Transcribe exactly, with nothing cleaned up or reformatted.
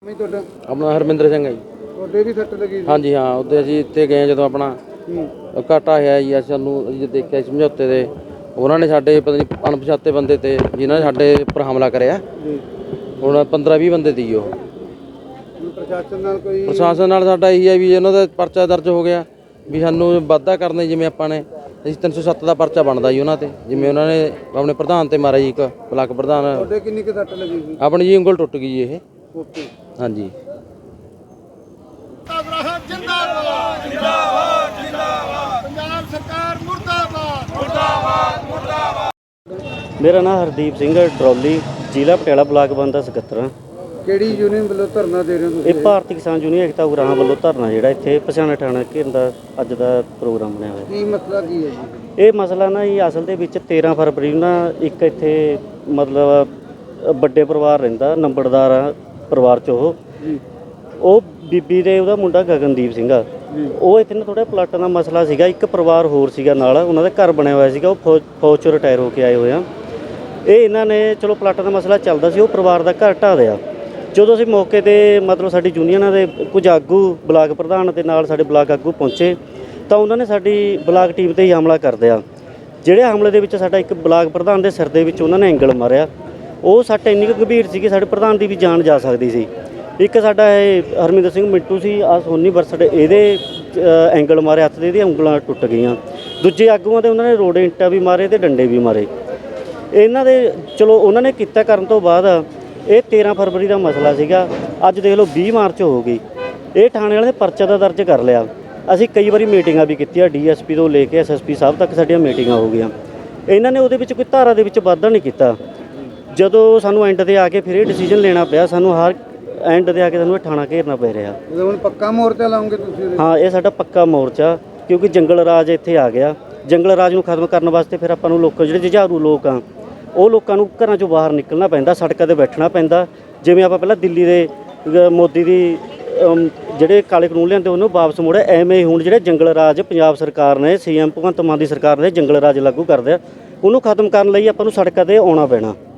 ਮੈਂ ਤੁਹਾਡਾ ਆਪਣਾ ਹਰਮਿੰਦਰ ਸਿੰਘ ਹੈ ਜੀ। ਤੁਹਾਡੇ ਵੀ ਸੱਟ ਲੱਗੀ ਸੀ? ਹਾਂਜੀ ਹਾਂ, ਉੱਥੇ ਅਸੀਂ ਇੱਥੇ ਗਏ ਜਦੋਂ ਆਪਣਾ ਘਾਟਾ ਆਇਆ ਜੀ, ਅਸੀਂ ਸਾਨੂੰ ਅਸੀਂ ਦੇਖਿਆ ਸਮਝੌਤੇ ਦੇ ਉਹਨਾਂ ਨੇ ਸਾਡੇ ਪਤਾ ਨਹੀਂ ਅਣਪਛਾਤੇ ਬੰਦੇ ਤੇ ਜਿਨ੍ਹਾਂ ਨੇ ਸਾਡੇ ਉੱਪਰ ਹਮਲਾ ਕਰਿਆ। ਜੀ ਹੁਣ ਪੰਦਰਾਂ ਵੀਹ ਬੰਦੇ ਦੀ ਉਹ ਹੁਣ ਪ੍ਰਸ਼ਾਸਨ ਨਾਲ ਕੋਈ ਪ੍ਰਸ਼ਾਸਨ ਨਾਲ ਸਾਡਾ ਇਹੀ ਹੈ ਵੀ ਉਹਨਾਂ ਦਾ ਪਰਚਾ ਦਰਜ ਹੋ ਗਿਆ ਵੀ ਸਾਨੂੰ ਵਾਧਾ ਕਰਨਾ, ਜਿਵੇਂ ਆਪਾਂ ਨੇ ਅਸੀਂ ਤਿੰਨ ਸੌ ਸੱਤ ਦਾ ਪਰਚਾ ਬਣਦਾ ਜੀ ਉਹਨਾਂ ਤੇ, ਜਿਵੇਂ ਉਹਨਾਂ ਨੇ ਆਪਣੇ ਪ੍ਰਧਾਨ ਤੇ ਮਾਰਿਆ ਜੀ, ਇੱਕ ਬਲਾਕ ਪ੍ਰਧਾਨ। ਤੁਹਾਡੇ ਕਿੰਨੀ ਕੁ ਸੱਟ ਲੱਗੀ ਸੀ? ਆਪਣੀ ਜੀ ਉਂਗਲ ਟੁੱਟ ਗਈ ਜੀ ਇਹ। ਓਕੇ ਹਾਂਜੀ ਜਿੰਦਾਬਾਦ ਜਿੰਦਾਬਾਦ ਜਿੰਦਾਬਾਦ ਪੰਜਾਬ ਸਰਕਾਰ ਮੁਰਦਾਬਾਦ ਮੁਰਦਾਬਾਦ ਮੁਰਦਾਬਾਦ। ਮੇਰਾ ਨਾਮ ਹਰਦੀਪ ਸਿੰਘ ਡਰੋਲੀ, ਜ਼ਿਲ੍ਹਾ ਪਟਿਆਲਾ ਬਲਾਕ ਬੰਦਾ ਸਕੱਤਰ। ਕਿਹੜੀ ਯੂਨੀਅਨ ਵੱਲੋਂ ਧਰਨਾ ਦੇ ਰਹੇ ਹੋ ਤੁਸੀਂ? ਇਹ ਭਾਰਤੀ ਕਿਸਾਨ ਯੂਨੀਅਨ ਏਕਤਾ ਉਗਰਾਹਾਂ ਵੱਲੋਂ ਧਰਨਾ ਜਿਹੜਾ ਇੱਥੇ ਪਛਾਣਾ ਠਾਣਾ ਘੇਰਨ ਦਾ ਅੱਜ ਦਾ ਪ੍ਰੋਗਰਾਮ ਬਣਿਆ ਹੋਇਆ। ਕੀ ਮਸਲਾ ਕੀ ਹੈ ਜੀ? ਇਹ ਮਸਲਾ ਨਾ ਜੀ ਅਸਲ ਦੇ ਵਿੱਚ ਤੇਰ੍ਹਾਂ ਫਰਵਰੀ ਨੂੰ ਨਾ ਇੱਕ ਇੱਥੇ ਮਤਲਬ ਵੱਡੇ ਪਰਿਵਾਰ ਰਹਿੰਦਾ, ਨੰਬਰਦਾਰ ਆ ਪਰਿਵਾਰ 'ਚ ਉਹ ਜੀ ਉਹ ਬੀਬੀ ਦੇ ਉਹਦਾ ਮੁੰਡਾ ਗਗਨਦੀਪ ਸਿੰਘ ਆ, ਉਹ ਇੱਥੇ ਨਾ ਥੋੜ੍ਹਾ ਪਲਾਟਾਂ ਦਾ ਮਸਲਾ ਸੀਗਾ। ਇੱਕ ਪਰਿਵਾਰ ਹੋਰ ਸੀਗਾ ਨਾਲ, ਉਹਨਾਂ ਦਾ ਘਰ ਬਣਿਆ ਹੋਇਆ ਸੀਗਾ, ਉਹ ਫੌਜ ਫੌਜ 'ਚੋਂ ਰਿਟਾਇਰ ਹੋ ਕੇ ਆਏ ਹੋਏ ਆ। ਇਹ ਇਹਨਾਂ ਨੇ ਚਲੋ ਪਲਾਟਾਂ ਦਾ ਮਸਲਾ ਚੱਲਦਾ ਸੀ, ਉਹ ਪਰਿਵਾਰ ਦਾ ਘਰ ਢਾਹ ਦਿਆ। ਜਦੋਂ ਅਸੀਂ ਮੌਕੇ 'ਤੇ ਮਤਲਬ ਸਾਡੀ ਯੂਨੀਅਨਾਂ ਦੇ ਕੁਝ ਆਗੂ ਬਲਾਕ ਪ੍ਰਧਾਨ ਦੇ ਨਾਲ ਸਾਡੇ ਬਲਾਕ ਆਗੂ ਪਹੁੰਚੇ ਤਾਂ ਉਹਨਾਂ ਨੇ ਸਾਡੀ ਬਲਾਕ ਟੀਮ 'ਤੇ ਹੀ ਹਮਲਾ ਕਰ ਦਿਆ। ਜਿਹੜੇ ਹਮਲੇ ਦੇ ਵਿੱਚ ਸਾਡਾ ਇੱਕ ਬਲਾਕ ਪ੍ਰਧਾਨ ਦੇ ਸਿਰ ਦੇ ਵਿੱਚ ਉਹਨਾਂ ਨੇ ਐਂਗਲ ਮਾਰਿਆ। ਉਹ ਸੱਟ ਇੰਨੀ ਕੁ ਗੰਭੀਰ ਸੀ ਕਿ ਸਾਡੇ ਪ੍ਰਧਾਨ ਦੀ ਵੀ ਜਾਨ ਜਾ ਸਕਦੀ ਸੀ। ਇੱਕ ਸਾਡਾ ਇਹ ਹਰਮਿੰਦਰ ਸਿੰਘ ਮਿੰਟੂ ਸੀ, ਆ ਸੋਨੀ ਬਰਸਡ, ਇਹਦੇ ਐਂਗਲ ਮਾਰੇ ਹੱਥ ਦੇ, ਇਹਦੀਆਂ ਉਂਗਲਾਂ ਟੁੱਟ ਗਈਆਂ। ਦੂਜੇ ਆਗੂਆਂ ਦੇ ਉਹਨਾਂ ਨੇ ਰੋੜੇ ਇੱਟਾਂ ਵੀ ਮਾਰੇ ਤੇ ਡੰਡੇ ਵੀ ਮਾਰੇ। ਇਹਨਾਂ ਦੇ ਚਲੋ ਉਹਨਾਂ ਨੇ ਕੀਤਾ ਕਰਨ ਤੋਂ ਬਾਅਦ ਇਹ ਤੇਰ੍ਹਾਂ ਫਰਵਰੀ ਦਾ ਮਸਲਾ ਸੀਗਾ। ਅੱਜ ਦੇਖ ਲਓ ਵੀਹ ਮਾਰਚ ਹੋ ਗਈ, ਇਹ ਥਾਣੇ ਵਾਲੇ ਨੇ ਪਰਚਾ ਦਾ ਦਰਜ ਕਰ ਲਿਆ। ਅਸੀਂ ਕਈ ਵਾਰੀ ਮੀਟਿੰਗਾਂ ਵੀ ਕੀਤੀਆਂ, ਡੀ ਐਸ ਪੀ ਤੋਂ ਲੈ ਕੇ ਐਸ ਐਸ ਪੀ ਸਾਹਿਬ ਤੱਕ ਸਾਡੀਆਂ ਮੀਟਿੰਗਾਂ ਹੋ ਗਈਆਂ। ਇਹਨਾਂ ਨੇ ਉਹਦੇ ਵਿੱਚ ਕੋਈ ਧਾਰਾ ਦੇ ਵਿੱਚ ਵਾਧਾ ਨਹੀਂ ਕੀਤਾ। ਜਦੋਂ ਸਾਨੂੰ ਐਂਡ 'ਤੇ ਆ ਕੇ ਫਿਰ ਇਹ ਡਿਸੀਜਨ ਲੈਣਾ ਪਿਆ, ਸਾਨੂੰ ਹਰ ਐਂਡ 'ਤੇ ਆ ਕੇ ਸਾਨੂੰ ਇਹ ਥਾਣਾ ਘੇਰਨਾ ਪੈ ਰਿਹਾ। ਹੁਣ ਪੱਕਾ ਮੋਰਚਾ ਲਾਉਂਗੇ ਤੁਸੀਂ? ਹਾਂ, ਇਹ ਸਾਡਾ ਪੱਕਾ ਮੋਰਚਾ, ਕਿਉਂਕਿ ਜੰਗਲ ਰਾਜ ਇੱਥੇ ਆ ਗਿਆ। ਜੰਗਲ ਰਾਜ ਨੂੰ ਖਤਮ ਕਰਨ ਵਾਸਤੇ ਫਿਰ ਆਪਾਂ ਨੂੰ ਲੋਕ ਜਿਹੜੇ ਜੁਝਾਰੂ ਲੋਕ ਆ, ਉਹ ਲੋਕਾਂ ਨੂੰ ਘਰਾਂ 'ਚੋਂ ਬਾਹਰ ਨਿਕਲਣਾ ਪੈਂਦਾ, ਸੜਕਾਂ 'ਤੇ ਬੈਠਣਾ ਪੈਂਦਾ। ਜਿਵੇਂ ਆਪਾਂ ਪਹਿਲਾਂ ਦਿੱਲੀ ਦੇ ਮੋਦੀ ਦੀ ਜਿਹੜੇ ਕਾਲੇ ਕਾਨੂੰਨ ਲਿਆਂਦੇ ਉਹਨੂੰ ਵਾਪਸ ਮੋੜਿਆ, ਐਵੇਂ ਹੀ ਹੁਣ ਜਿਹੜੇ ਜੰਗਲ ਰਾਜ ਪੰਜਾਬ ਸਰਕਾਰ ਨੇ, ਸੀ ਐਮ ਭਗਵੰਤ ਮਾਨ ਦੀ ਸਰਕਾਰ ਨੇ ਜੰਗਲ ਰਾਜ ਲਾਗੂ ਕਰਦੇ ਆ, ਉਹਨੂੰ ਖਤਮ ਕਰਨ ਲਈ ਆਪਾਂ ਨੂੰ ਸੜਕਾਂ 'ਤੇ ਆਉਣਾ ਪੈਣਾ।